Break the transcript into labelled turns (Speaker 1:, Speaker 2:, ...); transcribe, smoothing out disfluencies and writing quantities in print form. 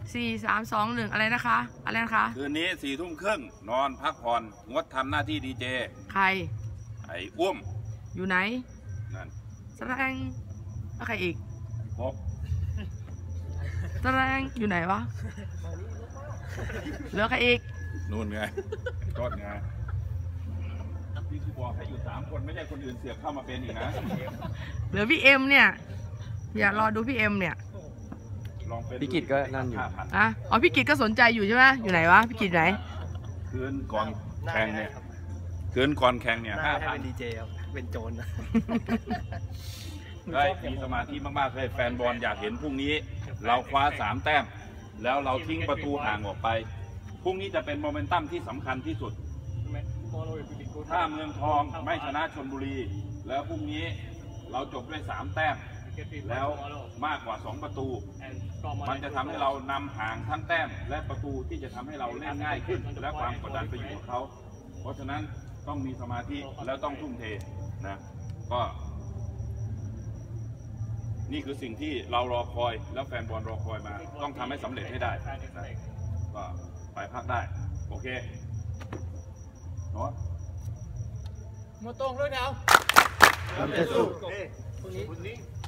Speaker 1: 4 3 2 1อะไรนะคะอะไรนะคะ
Speaker 2: คืนนี้4 ทุ่มครึ่งนอนพักผ่อนงดทำหน้าที่ดีเจ
Speaker 1: ใคร
Speaker 2: ไอ้อ้วม
Speaker 1: อยู่ไหน
Speaker 2: นั่น
Speaker 1: แสดงแล้วใครอีก
Speaker 2: พบ
Speaker 1: แสดงอยู่ไหนวะเหลือใครอีก
Speaker 2: นู่นไงต้นไงพี่คือบอกให้อยู่3 คนไม่ใช่คนอื่นเสียบเข้ามาเป็นอีกนะ
Speaker 1: เหลือพี่เอ็มเนี่ยอย่ารอดูพี่เอ็มเนี่ย
Speaker 3: พี่กิตก็นั่นอยู่
Speaker 1: อ๋อพี่กิตก็สนใจอยู่ใช่ไหมอยู่ไหนวะพี่กิตไหน
Speaker 2: คืนก่อนแข่งเนี่ยคืนก่อนแข่งเนี่ย
Speaker 3: 5,000เป็นดีเจเป็นโจร
Speaker 2: ได้มีสมาธิมากๆเลยแฟนบอลอยากเห็นพรุ่งนี้เราคว้า3 แต้มแล้วเราทิ้งประตูห่างออกไปพรุ่งนี้จะเป็นโมเมนตัมที่สำคัญที่สุดถ้าเมืองทองไม่ชนะชลบุรีแล้วพรุ่งนี้เราจบด้วย3 แต้มแล้วมากกว่า2 ประตูมันจะทำให้เรานำห่างทั้งแต้มและประตูที่จะทำให้เราเล่นง่ายขึ้นและความกดดันไปอยู่กับเขาเพราะฉะนั้นต้องมีสมาธิแล้วต้องทุ่มเทนะก็นี่คือสิ่งที่เรารอคอยแล้วแฟนบอลรอคอยมาต้องทำให้สำเร็จให้ได้นะก็ไปพักได้โอเคเนาะ
Speaker 4: หมดตรงด้วยเนาะ
Speaker 3: จะสู้
Speaker 4: พรุ่งนี้